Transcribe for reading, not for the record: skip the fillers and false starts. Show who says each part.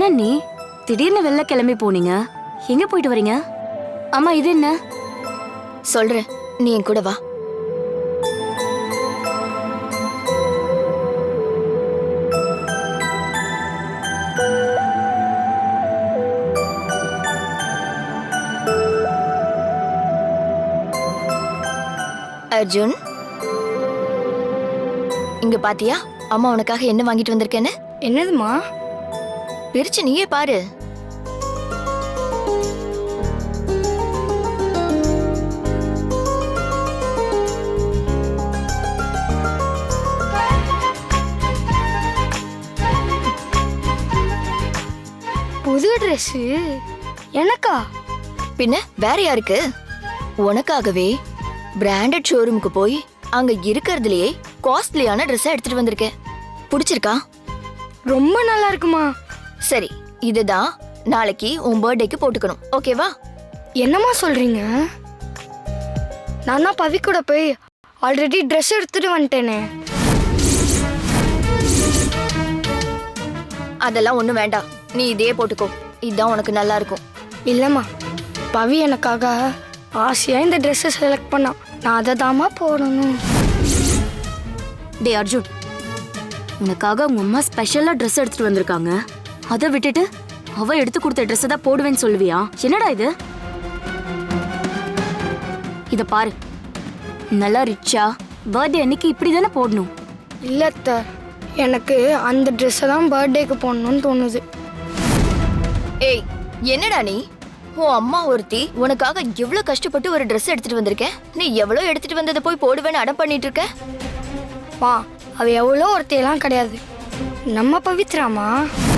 Speaker 1: என்ன நீ திடீர்னு வெளில கிளம்பி போனீங்க? எங்க போயிட்டு வரீங்க? அம்மா இது என்ன?
Speaker 2: சொல்றேன், நீ என் கூட வா. அர்ஜுன், இங்க பாத்தியா அம்மா உனக்காக என்ன வாங்கிட்டு வந்திருக்கேன்னு?
Speaker 3: என்னதுமா?
Speaker 2: பிரிச்சு நீயே பாரு.
Speaker 3: புது ட்ரெஸ் எனக்கா?
Speaker 2: பின்ன வேற யாருக்கு? உனக்காகவே பிராண்டட் ஷோரூமுக்கு போய் அங்க இருக்கிறதுலயே காஸ்ட்லியான ட்ரெஸ் எடுத்துட்டு வந்திருக்கேன். பிடிச்சிருக்கா?
Speaker 3: ரொம்ப நல்லா இருக்குமா.
Speaker 2: சரி, இதுதான் நாளைக்கு உன் பர்த்டேக்கு போட்டுக்கணும், ஓகேவா?
Speaker 3: என்னம்மா சொல்றீங்க? நான் தான் பவி கூட போய் ஆல்ரெடி ட்ரெஸ் எடுத்துட்டு வந்துட்டேனே.
Speaker 2: அதெல்லாம் ஒண்ணும் வேண்டாம், நீ இதே போட்டுக்கோ, இதுதான் உனக்கு நல்லா இருக்கும்.
Speaker 3: இல்லம்மா, பவி எனக்காக ஆசையா இந்த ட்ரெஸ்ஸை செலக்ட் பண்ணா. நான் அதை தாமா போடணும்.
Speaker 1: டே அர்ஜுன், உனக்காக உங்க அம்மா ஸ்பெஷலா ட்ரெஸ் எடுத்துட்டு வந்திருக்காங்க. அதை விட்டுட்டு அவ எடுத்து கொடுத்த ட்ரெஸ் தான் போடுவேன்னு சொல்லுவியா? என்னடா இது? இத பாரு, நல்லா ரிச்சா பர்த்டே அன்னைக்கு இப்படி தானே போடணும்.
Speaker 3: இல்லத்த, எனக்கு அந்த ட்ரெஸ்ஸை தான் பர்த்டேக்கு போடணும்னு தோணுது.
Speaker 2: ஏய், என்னடா நீ? உன் அம்மா ஒருத்தி உனக்காக எவ்வளவு கஷ்டப்பட்டு ஒரு ட்ரெஸ் எடுத்துட்டு வந்திருக்கேன். நீ எவ்வளவு எடுத்துட்டு வந்ததை போய் போடுவேன்னு அடம் பண்ணிட்டு இருக்க.
Speaker 3: வா, அவ எவ்வளோ ஒருத்தையெல்லாம் கிடையாது, நம்ம பவித்ராமா.